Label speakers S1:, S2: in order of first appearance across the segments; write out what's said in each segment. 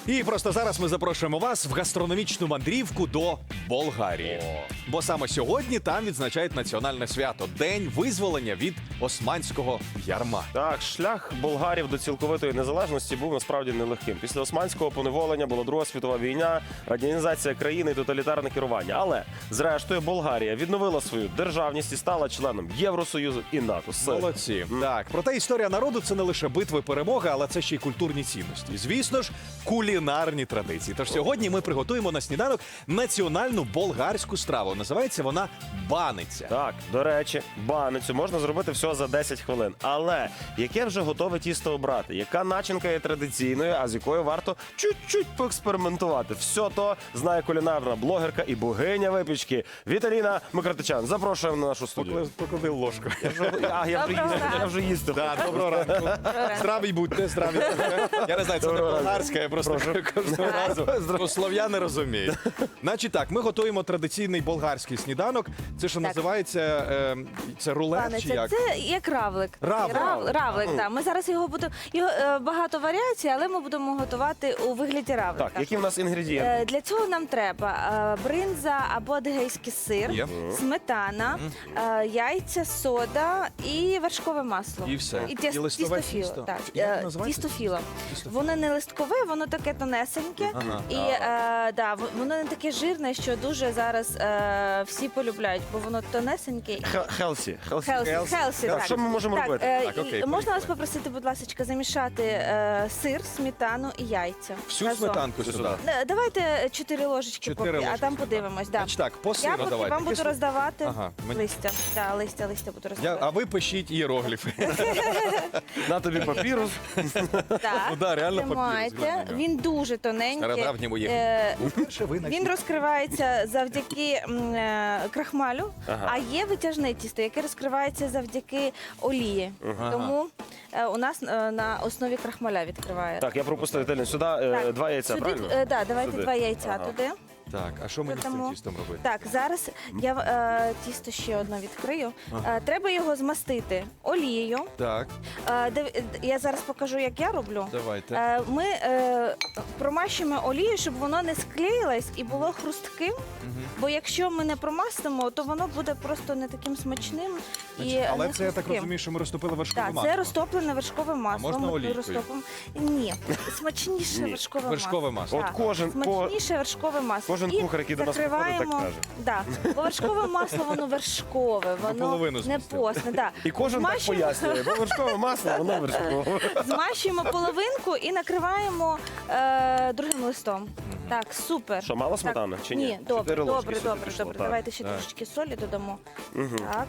S1: І просто зараз ми запрошуємо вас в гастрономічну мандрівку до Болгарії. Бо саме сьогодні там відзначають національне свято – День визволення від османського ярма.
S2: Так, шлях болгарів до цілковитої незалежності був насправді нелегким. Після османського поневолення була Друга світова війна, радянізація країни і тоталітарне керування. Але, зрештою, Болгарія відновила свою державність і стала членом Євросоюзу і НАТО.
S1: Молодці. Так, проте історія народу – це не лише битви, перемоги, але це ще й культурні цінності. Звісно ж, кулінарні традиції. Тож сьогодні ми приготуємо на сніданок національну болгарську страву. Називається вона баниця.
S2: Так, до речі, баницю можна зробити всього за 10 хвилин. Але яке вже готове тісто обрати? Яка начинка є традиційною, а з якою варто чуть-чуть поекспериментувати? Все то знає кулінарна блогерка і богиня випічки Віталіна Микротичан. Запрошуємо на нашу студію.
S1: Поклади ложку.
S2: Я вже їсти.
S1: Доброго ранку. Здраві будьте, здраві будьте. Я не знаю, це не болгарська, я просто кожного разу. Слов'яни розуміють. Значить так, ми готуємо традиційний болгарський сніданок. Це що називається, це рулет чи як?
S3: Це як равлик.
S1: Равлик.
S3: Равлик, так. Ми зараз його будемо, багато варіацій, але ми будемо готувати у вигляді равлика.
S2: Так, які в нас інгредієнти?
S3: Для цього нам треба бринза або адигейський сир,
S1: Є.
S3: сметана, яйця, сода і вершкове масло.
S1: І все.
S3: І
S1: І листове
S3: тістофіло.
S1: тісто.
S3: Так,
S1: Як називається?
S3: тістофіло.
S1: Тістофіло.
S3: Воно не листкове, воно таке тонесеньке.
S1: Ага.
S3: І воно не таке жирне, що дуже зараз всі полюбляють, бо воно тонесеньке.
S2: Хелсі.
S3: Хелсі,
S2: Так,
S3: так.
S2: що ми можемо робити?
S1: Так, окей,
S3: Можна вас
S1: поїхали.
S3: попросити, будь ласка, замішати сир, сметану і яйця.
S1: Всю
S3: разом.
S1: сметанку сюди.
S3: Давайте 4 ложечки,
S1: 4
S3: поки, а
S1: ложечки.
S3: там подивимось. Да.
S1: Значить так, по
S3: Я
S1: сиру
S3: поки
S1: давайте.
S3: вам буду роздавати
S1: Ага, мені-
S3: листя. Так, листя буду роздавати.
S1: А ви пишіть іерогліфи.
S2: На тобі папірус.
S3: Так,
S1: Ну да, реально
S3: тримайте.
S1: папір,
S3: Він дуже тоненький.
S1: Стародавньому є. Вперше ви на
S3: Він розкривається завдяки крахмалю,
S2: Ага.
S3: а є витяжне тісто, яке розкривається завдяки олії. Тому у нас на основі крахмаля відкриває.
S2: Так, я пропустив Віталіна. Сюди
S3: Так,
S2: 2 яйця,
S3: сюди,
S2: правильно?
S3: давайте
S2: Сюди.
S3: 2 яйця
S2: Ага.
S3: туди.
S1: Так, а що мені з цим
S3: Тому-
S1: тістом робити?
S3: Так, зараз я тісто ще одне відкрию. Треба його змастити олією.
S1: Так,
S3: Я зараз покажу, як я роблю.
S1: давайте.
S3: Ми промащуємо олією, щоб воно не склеїлось і було хрустким. Бо якщо ми не промастимо, то воно буде просто не таким смачним і
S1: Але
S3: не
S1: це, я так
S3: хрустким.
S1: розумію, що ми розтопили вершкове
S3: Так,
S1: масло.
S3: це розтоплене вершкове масло.
S1: можна
S3: Ми
S1: олійкою?
S3: розтопимо. Ні, смачніше
S2: Ні.
S3: вершкове
S1: Вершкове масло.
S3: Так,
S2: От
S3: смачніше вершкове масло.
S2: кожен
S3: І
S2: кухар, який до нас приходить, так
S3: закриваємо-
S2: каже.
S3: Да. Бо вершкове масло, воно вершкове, воно
S1: Наполовину
S3: не
S1: змістили.
S3: постне. Да.
S2: І кожен так
S3: Змащуємо-
S2: пояснює, бо вершкове масло, воно вершкове.
S3: Змащуємо половинку і накриваємо другим листом. Так, супер.
S2: Що, мало сметани
S3: Так,
S2: чи ні?
S3: Ні, добре,
S2: 4 ложки
S3: добре,
S2: сюди
S3: добре,
S2: пішло,
S3: добре.
S2: так.
S3: Давайте ще
S1: Так.
S3: трошечки солі додамо.
S2: Мгм.
S3: Так.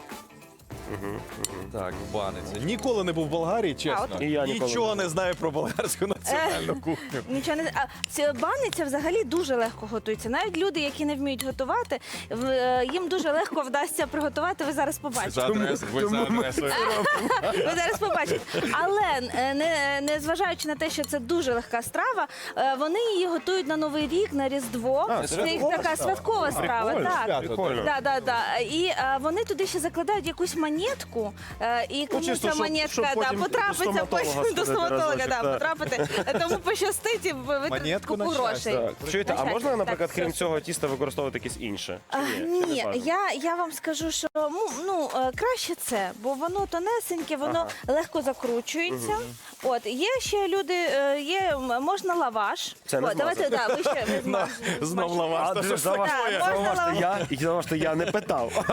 S1: Так, баниця. Ніколи не був в Болгарії, чесно.
S3: от-
S2: І я ніколи
S1: Нічого
S2: не
S1: не знаю про болгарську національну кухню.
S3: Нічого не ця баниця взагалі дуже легко готується. Навіть люди, які не вміють готувати, їм дуже легко вдасться приготувати. Ви зараз побачите.
S1: За адресою, ви за адресою.
S3: Ви зараз побачите. Але незважаючи на те, що це дуже легка страва, вони її готують на Новий рік, на Різдво.
S2: А,
S3: Це
S2: святкова
S3: їх така
S2: страва.
S3: святкова страва.
S1: Прикольно,
S3: Так.
S1: свято,
S2: Прикольно.
S3: Да. І вони туди ще закладають якусь монетку, і кому
S2: чисто,
S3: ця
S2: щоб
S3: монетка
S2: потім до
S3: потрапиться
S2: стоматолога
S3: потім до
S2: сходити
S3: стоматолога,
S2: разочок, так.
S3: потрапити. Тому пощастить і витратити
S1: Монетку
S3: купу
S1: на щастя.
S3: грошей.
S2: Так. Чуєте, а
S3: Значить,
S2: можна, наприклад,
S3: так,
S2: крім
S3: все.
S2: цього тіста використовувати якесь інше? Чи ні? Чи не
S3: Ні,
S2: важливо?
S3: я вам скажу, що краще це, бо воно тонесеньке, воно легко закручується. От є ще люди, можна лаваш.
S2: Це не
S3: От, давайте,
S2: змазати.
S3: ви ще
S1: Знов лаваш.
S2: А,
S1: Та що ж
S2: заважте,
S3: Так, можна
S2: заважте, я не питав.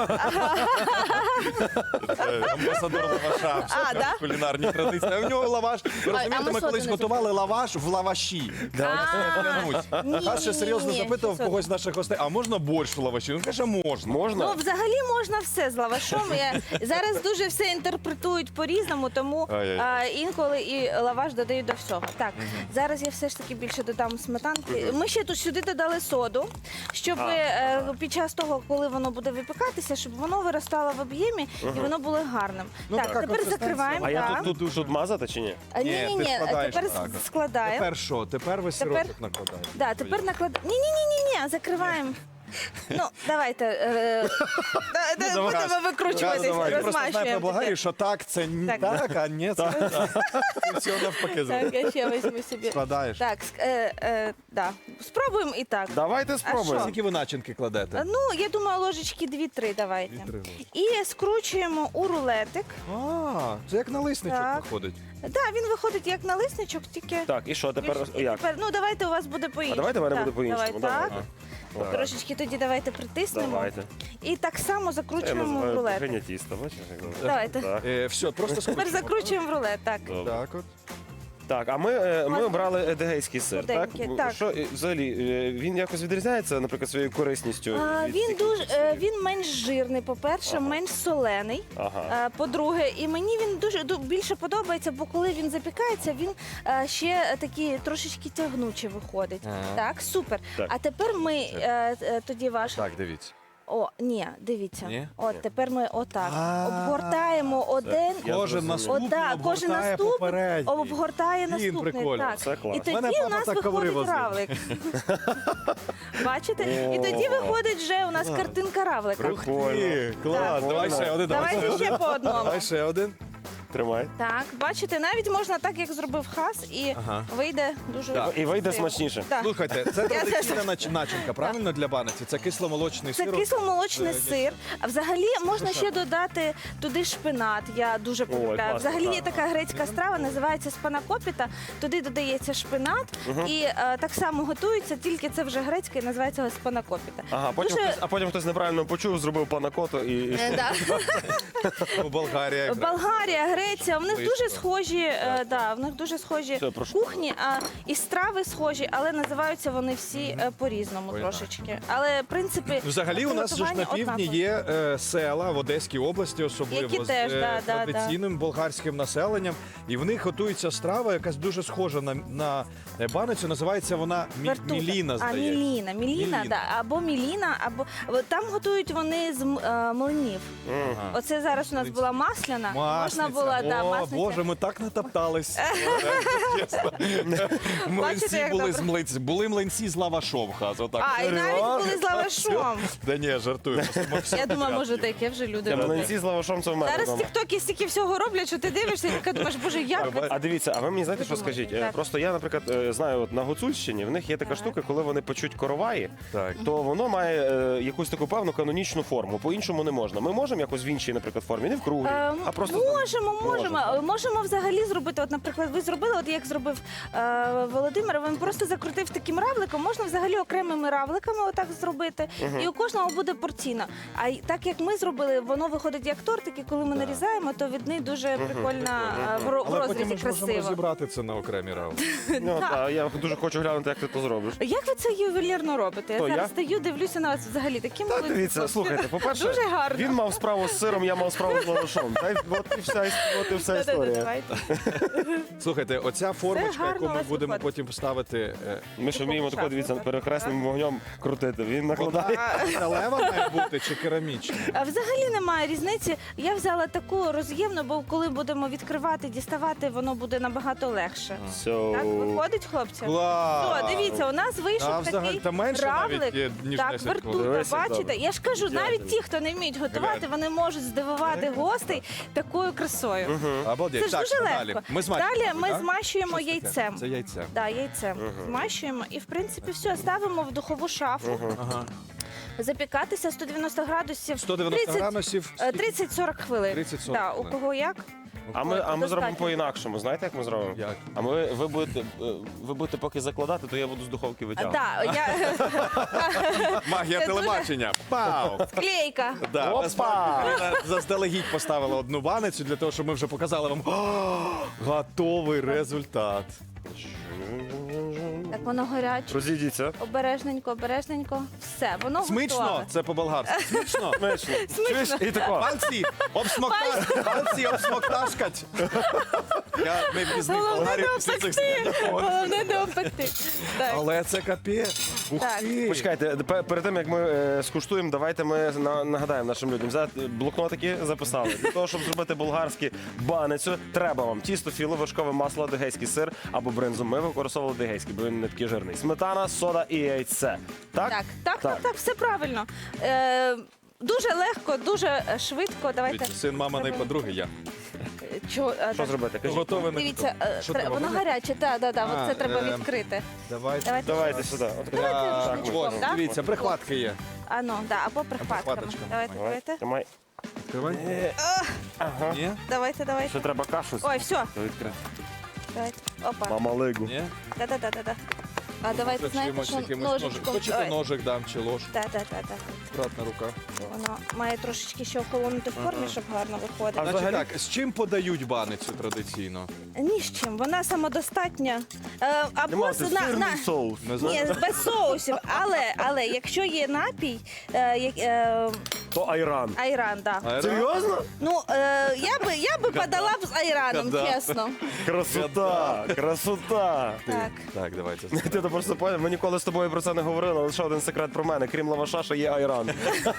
S1: Амбасадор лаваша. Все
S3: А,
S1: кажуть,
S3: да?
S1: кулінарні традиції. А в нього лаваш. Ви розумієте,
S3: ми
S1: ми колись
S3: соти не
S1: готували лаваш в лаваші. Хас ще серйозно запитував
S3: ні,
S1: когось з наших гостей, а можна борщ в лаваші? Він каже, можна.
S2: Можна?
S3: Ну, взагалі можна все з лавашом. Зараз дуже все інтерпретують по-різному, тому
S1: Ай-яй.
S3: інколи і лаваш додають до всього. Так, зараз я все ж таки більше додам сметанки. Ми ще тут сюди додали соду, щоб під час того, коли воно буде випікатися, щоб воно виростало в об'ємі і воно було гарним.
S1: Ну,
S3: Так,
S1: така
S3: тепер
S1: консистенція.
S3: закриваємо.
S2: А я
S3: так.
S2: тут мазати чи ні?
S1: Ні,
S3: Ні,
S1: ти складаєш
S3: тепер
S1: так.
S3: складаємо.
S1: Тепер що? Тепер ви
S3: Тепер-
S1: сирочок накладаєте.
S3: Да, тепер накладаємо. Ні, закриваємо. Ну, давайте. Будемо викручуватись,
S1: Я просто знаю про
S3: розмащуємо.
S1: Болгарію, що так, це не
S3: Так.
S1: так, а ні, це це все навпаки.
S3: Так, я ще візьму собі.
S1: Складаєш.
S3: Так, да. Спробуємо і так.
S2: Давайте спробуємо.
S1: Скільки ви начинки кладете?
S3: Ну, я думаю, ложечки 2-3 давайте.
S1: 2-3 ложки.
S3: І скручуємо у рулетик.
S1: А, це як налисничок
S3: Так.
S1: виходить.
S3: Так, він виходить як налисничок, тільки...
S2: Так, і що тепер?
S3: І
S2: Як?
S3: тепер, ну, давайте у вас буде по-іншому.
S2: А давайте в мене
S3: Так,
S2: буде по-іншому.
S3: Давай, так.
S2: Так.
S3: Трошечки тоді давайте притиснемо.
S2: Давайте.
S3: І так само
S2: Я
S3: закручуємо в
S2: називаю
S3: рулетик.
S2: кухня тіста. Бачиш, як добре?
S3: Давайте.
S2: Так.
S1: Все, просто
S3: Тепер
S1: скручуємо.
S3: закручуємо в рулет, так.
S2: Добре.
S1: Так от.
S2: Так, а ми обрали едегейський сир, так?
S3: Худенький, так.
S2: Що, взагалі, він якось відрізняється, наприклад, своєю корисністю? від
S3: Він
S2: цих
S3: дуже
S2: інших сирів?
S3: він менш жирний, по-перше,
S2: Ага.
S3: менш солений.
S2: Ага.
S3: По-друге, і мені він дуже більше подобається, бо коли він запікається, він ще такий трошечки тягнучий виходить.
S1: Ага.
S3: Так, супер.
S2: Так.
S3: А тепер ми тоді ваш.
S1: Так, дивіться.
S3: О, ні, дивіться.
S1: Ні?
S3: От тепер ми отак
S1: А.
S3: обгортаємо один.
S2: Я
S1: Кожен
S2: зрозумів.
S1: наступний
S3: Отак, кожен
S1: обгортає
S3: наступний
S1: попередній.
S3: обгортає
S1: Блін,
S3: наступний.
S1: прикольно.
S3: Так.
S2: Це клас.
S3: І тоді
S1: Мене
S3: у
S1: папа
S3: нас
S1: так коври
S3: виходить
S1: возив.
S3: равлик. Бачите? І тоді виходить вже у нас картинка равлика.
S1: Ух
S2: Прикольно.
S1: ти, клас.
S2: Так.
S1: Давай ще один.
S3: Давайте ще по одному.
S1: Давай ще один.
S2: Тримай.
S3: Так, бачите, навіть можна так, як зробив хас, і
S1: Ага.
S3: вийде дуже
S1: Так.
S2: І вийде
S3: красиво.
S2: смачніше.
S3: Так.
S1: Слухайте, це
S3: Я
S1: традиційна начинка, правильно, для баниці? Це кисломолочний
S3: Це
S1: сир.
S3: кисломолочний
S1: Це-
S3: сир. А взагалі можна
S1: Ну,
S3: ще
S1: що?
S3: додати туди шпинат. Я дуже полюбляю.
S2: класно,
S3: Взагалі є
S2: так.
S3: така грецька страва, називається спанакопіта. Туди додається шпинат і так само готується, тільки це вже грецька і називається спанакопіта.
S2: Ага, потім хтось неправильно почув, зробив панакоту і...
S3: Да.
S1: У Болгарія. якраз.
S3: Болгарія, Греція, в них
S1: Близько.
S3: дуже схожі, в них дуже схожі
S2: Все, прошу.
S3: кухні, і страви схожі, але називаються вони всі по-різному
S1: Ой,
S3: трошечки. Але в принципі
S1: Взагалі у нас же ж на
S3: приготування
S1: півдні
S3: однакове.
S1: є села в Одеській області, особливо
S3: Які
S1: з
S3: теж, да,
S1: традиційним болгарським населенням. І в них готується страва, якась дуже схожа на баницю. Називається вона
S3: Вертута.
S1: міліна, здається.
S3: Міліна,
S1: Міліна.
S3: да, або міліна, або там готують вони з млинів.
S2: Мгм.
S3: Оце зараз у нас була масляна. Можна було,
S1: О,
S3: масниця.
S1: Боже, ми так натоптались. Чесно. Млинці
S3: Бачите, як
S1: були
S3: добре?
S1: з млинці. Були млинці з лавашом, хаз. Отак.
S3: А, і навіть були з лавашом.
S1: Да ні, жартую.
S3: Я думаю, може, таке вже люди
S2: Це
S3: роблять.
S2: млинці з лавашом, це в мене
S3: Зараз
S2: вдома.
S3: тіктоки стільки всього роблять, що ти дивишся і така думаєш, боже, як ви
S2: А дивіться, а ви мені знаєте,
S3: Ви
S2: що
S3: думаєте,
S2: скажіть?
S3: так.
S2: Просто я, наприклад, знаю, от на Гуцульщині в них є така
S3: Так.
S2: штука, коли вони печуть короваї,
S1: Так.
S2: то воно має якусь таку певну канонічну форму. По-іншому не можна. Ми можемо якось в іншій, наприклад, формі, не в круглій, а просто
S3: Можемо взагалі зробити. От, наприклад, ви зробили, от як зробив Володимир, він просто закрутив таким равликом. Можна взагалі окремими равликами отак зробити, і у кожного буде порційно. А так як ми зробили, воно виходить як тортик, і коли ми нарізаємо, то від них дуже прикольно в
S1: Але потім ми
S3: розрізі
S1: ж можемо
S3: красиво.
S1: розібрати це на окремі раунди.
S2: Ну, та, я дуже хочу глянути, як ти то зробиш.
S3: Як ви це ювелірно робите? Я
S2: Хто,
S3: зараз
S2: я?
S3: стою, дивлюся на вас взагалі такі
S2: Та
S3: молодці.
S2: дивіться,
S3: хлопці.
S2: слухайте, по-перше,
S3: Дуже гарно.
S2: він мав справу з сиром, я мав справу з лавашом. Та й от і вся
S3: Да-да-да,
S2: історія.
S3: давайте.
S1: Слухайте, оця формочка,
S3: гарно
S1: яку
S3: у
S1: ми
S3: вас
S1: будемо
S3: виходить.
S1: потім ставити.
S2: Ми ж вміємо тако, дивіться,
S3: Супер.
S2: перехресним вогнем крутити. Він накладає.
S1: Металева має бути чи керамічна?
S3: А взагалі немає різниці. Я взяла таку роз'ємну, бо коли будемо відкривати, діставати, воно буде набагато легше. Так, виходить, хлопці?
S1: Клас!
S3: О, дивіться, у нас вийшов
S1: А взагалі
S3: такий
S1: та менше навіть
S3: равлик.
S1: є, ніж
S3: Так,
S1: 10
S3: вертута,
S1: хвилин.
S2: Дивися,
S3: бачите?
S2: добре.
S3: Я ж кажу,
S2: Ідеально.
S3: навіть ті, хто не вміють готувати,
S1: Глянь.
S3: вони можуть здивувати гостей такою красою.
S1: Обалдеть.
S3: Це ж
S1: Так,
S3: дуже
S1: що
S3: легко.
S1: далі? Ми змащуємо,
S3: Далі ми
S1: так?
S3: змащуємо
S1: Що це таке?
S3: яйцем.
S1: Це яйце.
S3: Да, яйцем змащуємо і в принципі все ставимо в духову шафу.
S1: Ага.
S3: Запікатися 190 градусів.
S1: 190
S3: 30,
S1: градусів.
S3: 30-40 хвилин.
S1: 30-40
S3: Да, у
S1: хвилин.
S3: кого як?
S2: А ми
S3: Достатньо.
S2: зробимо по-інакшому. Знаєте, як ми зробимо?
S1: Як?
S2: А ви будете поки закладати, то я буду з духовки витягувати.
S3: Да,
S1: Магія
S3: Це
S1: телебачення. Пау!
S3: клейка.
S1: Да,
S2: Опа!
S1: насправді, Ірина заздалегідь поставила одну баницю для того, щоб ми вже показали вам готовий результат.
S3: Так воно гаряче.
S2: Розійдіться.
S3: Обережненько, обережненько. Все, воно
S1: Смачно,
S3: готове.
S1: це по-болгарськи. Смачно.
S2: Смачно. Чуєш? І тако.
S1: Пальці обсмокташкать. Я не пізнив
S3: Головне
S1: Болгарію
S3: не
S1: після цих
S3: обпекти.
S1: слів.
S3: Головне не опекти. Так.
S1: Але це капець. Ух
S3: Так.
S1: ти.
S2: Почекайте, перед тим як ми скуштуємо, давайте ми нагадаємо нашим людям. Взяти блокнотики записали. Для того, щоб зробити болгарську баницю, треба вам тісто, філо, вершкове масло, адигейський сир або бринзу. Ми використовували адигейський, бо він не такий жирний. Сметана, сода і яйце. Так?
S3: Так, так, все правильно. Дуже легко, дуже швидко. Давайте.
S1: Дивіться, син маминої подруги я.
S3: Чого,
S2: Що зробити? Кажіть.
S1: Готове не
S3: Дивіться,
S1: готове. Що треба?
S3: воно гаряче, так,
S1: А,
S3: це треба відкрити.
S1: Давайте.
S2: Давайте сюди.
S3: Давайте
S1: Так,
S3: рушничком,
S1: ось,
S3: да?
S1: дивіться, прихватки є.
S3: А ну, да, або прихватками.
S1: прихваточками.
S3: Давайте, давайте.
S2: Тримай.
S1: Відкривай.
S2: Ага.
S1: Ні?
S3: Давайте, давайте.
S2: Ще треба кашу.
S3: Ой, все,
S2: Відкрити.
S3: давайте. Опа.
S2: Мама лигу.
S1: Ні?
S3: Да-да-да-да. А давайте, знаєте,
S1: Чимось
S3: що
S1: якимось ножик.
S3: ножичком.
S1: Хочете ножик дам чи ложку?
S3: Да-да-да.
S1: Акуратна рука.
S3: Воно має трошечки ще охолонути в формі, щоб гарно виходити.
S2: А
S1: Значить
S2: взагалі-
S1: так, з чим подають баницю традиційно?
S3: Ні з чим, вона самодостатня. Або
S2: Нема, це сирний соус.
S1: Не
S3: Ні,
S1: знаю.
S3: без соусів. Але якщо є напій,
S2: То айран.
S3: айран, да.
S1: Айран?
S2: Серйозно?
S3: Ну, я би подала б з айраном,
S1: Гадав.
S3: чесно.
S2: Красота, красота.
S3: Так.
S1: Так, давайте.
S2: Ти то просто поняв, ми ніколи з тобою про це не говорили, але ще один секрет про мене. Крім лаваша, ще є айран.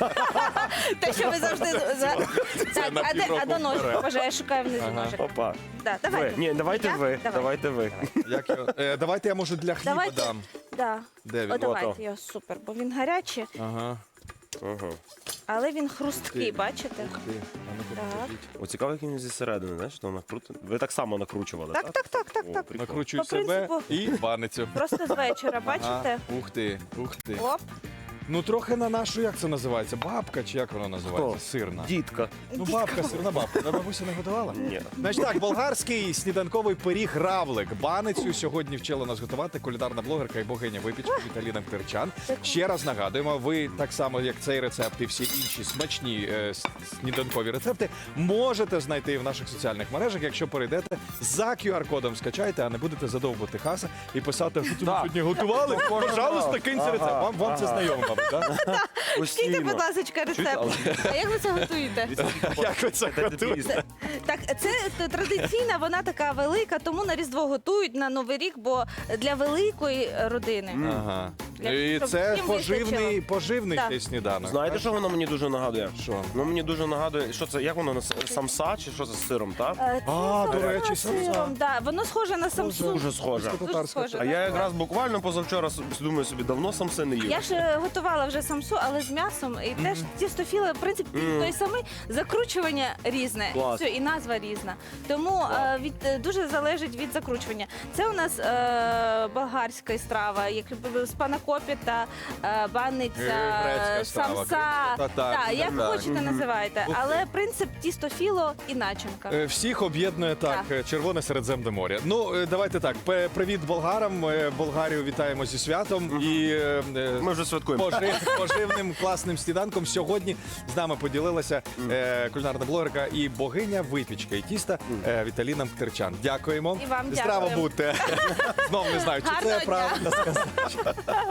S3: Те, що ви завжди... Так,
S1: на
S3: а
S1: півроку
S3: до ножика?
S1: вперед.
S3: Боже, я шукаю внизу
S1: Ага.
S3: ножик.
S2: Опа.
S3: Да,
S2: Ви.
S3: давайте.
S2: Ні, давайте
S3: Я?
S2: ви.
S3: Давай.
S2: Давайте ви.
S1: Як його? Давайте я, може, для хліба
S3: Давайте.
S1: дам.
S3: Да.
S1: Де він?
S3: О,
S2: Ото.
S3: давайте його, супер, бо він гарячий,
S1: Ага.
S2: Ага.
S3: але він хрусткий, бачите?
S1: Ух ти. А ну-ка,
S3: Так.
S1: покажіть.
S2: О, цікаво, як він зі середини, знаєш, що вона круто. Ви так само накручували, так?
S3: Так.
S2: О, прикольно.
S1: Накручую
S3: По
S1: себе
S3: принципу.
S1: і баницю.
S3: Просто з вечора, бачите?
S1: Ага. Ух ти, ух ти.
S3: Оп.
S1: Ну трохи на нашу, як це називається? Бабка чи як вона називається?
S2: Хто?
S1: Сирна.
S2: Дітка.
S1: Ну бабка, сирна бабка. Та бабуся не готувала?
S2: Ні.
S1: Значить так, болгарський сніданковий пиріг равлик. Баницю сьогодні вчила нас готувати кулінарна блогерка і богиня випічки Віталіна Мкрчан. Ще раз нагадуємо, ви так само, як цей рецепт і всі інші смачні сніданкові рецепти, можете знайти в наших соціальних мережах, якщо перейдете за QR-кодом, скачайте, а не будете задовбувати хаса і писати, що ви сьогодні готували. Пожалуйста, киньте рецепт. Вам це знайомо, мабуть, так?
S3: Скільки,
S2: Постійно.
S3: будь ласка, рецепт. А як ви це готуєте?
S1: Як ви це готуєте?
S3: Так, це традиційна, вона така велика, тому на Різдво готують на Новий рік, бо для великої родини.
S1: Ага.
S3: Для-
S1: І
S3: щоб
S1: це
S3: всім
S1: поживний
S3: Так.
S1: цей сніданок.
S2: Знаєте, що воно мені дуже нагадує?
S1: Що?
S2: Ну мені дуже нагадує, що це, як воно, самса чи що це з сиром, так?
S3: Це
S1: А, до
S3: сиром,
S1: речі,
S3: сиром, да. Воно схоже на самсу.
S2: Дуже схоже.
S3: Дуже схоже.
S2: А я якраз буквально позавчора думаю собі, давно самси не їв.
S3: Я ж готувала вже самсу, але з м'ясом. І теж тістофіли, в принципі, той самий. Закручування різне,
S2: Клас.
S3: все, і назва різна. Тому дуже залежить від закручування. Це у нас болгарська страва, як спанакопі та баниця,
S1: Грецька страва,
S3: самса.
S1: татар,
S3: Так, як
S1: так.
S3: хочете називайте.
S1: Ух ти.
S3: Але принцип тістофіло і начинка.
S1: Всіх об'єднує так, Червоне Середземне море. Ну, давайте так. Привіт болгарам. Болгарію вітаємо зі святом. І
S2: Ми вже святкуємо.
S1: поживним класним сніданком. Сьогодні з нами поділилася кулінарна блогерка і богиня випічки і тіста Віталіна Мкрчан. Дякуємо.
S3: І вам
S1: Здраво
S3: дякуємо.
S1: будьте. Знов не знаю, чи
S3: Гарного
S1: це
S3: дня.
S1: правда сказати.